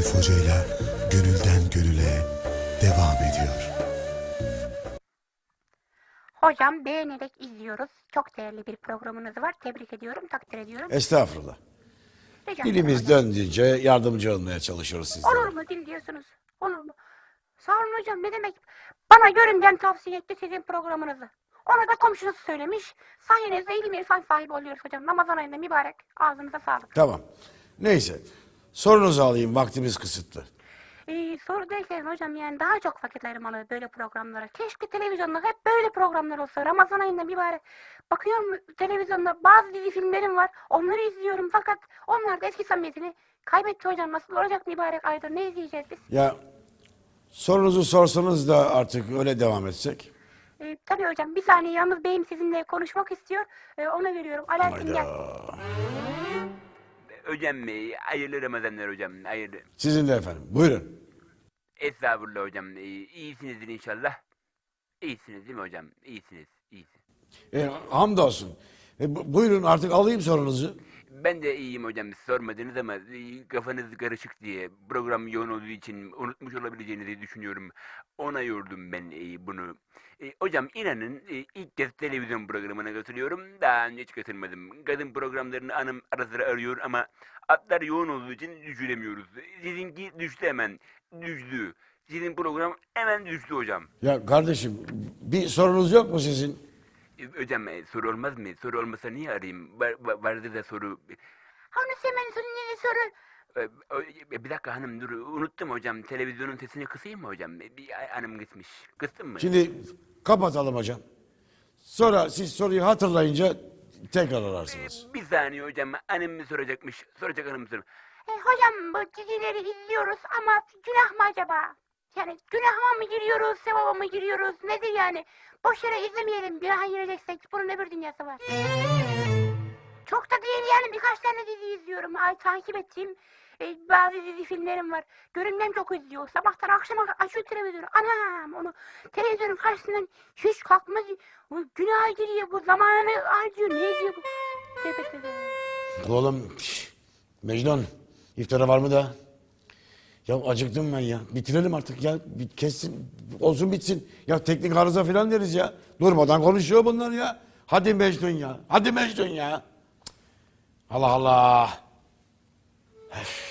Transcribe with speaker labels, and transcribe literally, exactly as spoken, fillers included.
Speaker 1: Arif Hoca'yla Gönülden Gönüle devam ediyor.
Speaker 2: Hocam beğenerek izliyoruz. Çok değerli bir programınız var. Tebrik ediyorum, takdir ediyorum.
Speaker 3: Estağfurullah.
Speaker 2: Rica
Speaker 3: Dilimiz
Speaker 2: ederim hocam.
Speaker 3: döndüğünce yardımcı olmaya çalışıyoruz sizlere.
Speaker 2: Olur mu dil diyorsunuz? Olur mu? Sağ olun hocam, ne demek? Bana görümden tavsiye etti sizin programınızı. Ona da komşusu söylemiş. Sayenizde ilim irfan sahibi oluyoruz hocam. Ramazan ayında mübarek. Ağzınıza sağlık.
Speaker 3: Tamam. Neyse. Sorunuzu alayım. Vaktimiz kısıtlı.
Speaker 2: Ee, soru derken hocam, yani daha çok vakit ayırmalı böyle programlara. Keşke televizyonda hep böyle programlar olsa. Ramazan ayında mübarek. Bakıyorum televizyonda bazı dizi filmlerim var. Onları izliyorum fakat onlar da eski samimiyetini kaybetti hocam. Nasıl olacak mübarek ayda? Ne izleyeceğiz biz?
Speaker 3: Ya sorunuzu sorsanız da artık öyle devam etsek.
Speaker 2: Ee, tabii hocam, bir saniye, yalnız beyim sizinle konuşmak istiyor. Ee, ona veriyorum. Alaaddin gel.
Speaker 3: Hayda.
Speaker 4: Hocam e, hayırlı Ramazanlar hocam. Hayırlı.
Speaker 3: Sizin de efendim. Buyurun.
Speaker 4: Estağfurullah hocam. E, iyisinizdir inşallah. İyisiniz değil mi hocam? İyisiniz. İyisiniz.
Speaker 3: E, hamdolsun. E, bu- buyurun artık alayım sorunuzu.
Speaker 4: Ben de iyiyim hocam. Sormadınız ama e, kafanız karışık diye program yoğun olduğu için unutmuş olabileceğinizi düşünüyorum. Ona yordum ben e, bunu. E, hocam inanın e, ilk kez televizyon programına katılıyorum. Daha önce hiç katılmadım. Kadın programlarını hanım ara sıra arıyor ama atlar yoğun olduğu için düşüremiyoruz. Sizinki düştü hemen. Düştü. Sizin program hemen düştü hocam.
Speaker 3: Ya kardeşim bir sorunuz yok mu sizin?
Speaker 4: E, Hocam e, soru olmaz mı? Soru olmasa niye arayayım? Var, var- vardı da soru.
Speaker 2: Hanım hemen ne soru?
Speaker 4: E, o- e, Bir dakika hanım dur unuttum hocam. Televizyonun sesini kısayım mı hocam? E, Bir hanım kısmış. Kıstın mı?
Speaker 3: Şimdi kapatalım hocam. Sonra siz soruyu hatırlayınca tekrar ararsınız.
Speaker 4: Bir saniye hocam. Hanım mı soracakmış? Soracak hanım mı soracak?
Speaker 2: E, hocam bu dizileri izliyoruz ama günah mı acaba? Yani günahıma mı giriyoruz, sevaba mı giriyoruz? Nedir yani? Boş yere izlemeyelim. Günaha gireceksek bunun öbür dünyası var. Çok da değil yani, birkaç tane dizi izliyorum. Ay, takip ettiğim e, bazı dizi filmlerim var. Görünmem çok izliyor. Sabahtan akşama açıyor televizyonu. Anam, onu televizyonun karşısından hiç kalkmaz. Bu günaha giriyor, bu zamanını harcıyor. Ne diyor bu? Tövbe tövbe.
Speaker 3: Oğlum şş, Mecnun iftara var mı da? Ya acıktım ben ya. Bitirelim artık ya. Bir kessin. Olsun bitsin. Ya teknik arıza falan deriz ya. Durmadan konuşuyor bunlar ya. Hadi Mecnun ya. Hadi Mecnun ya. Cık. Allah Allah. Öf.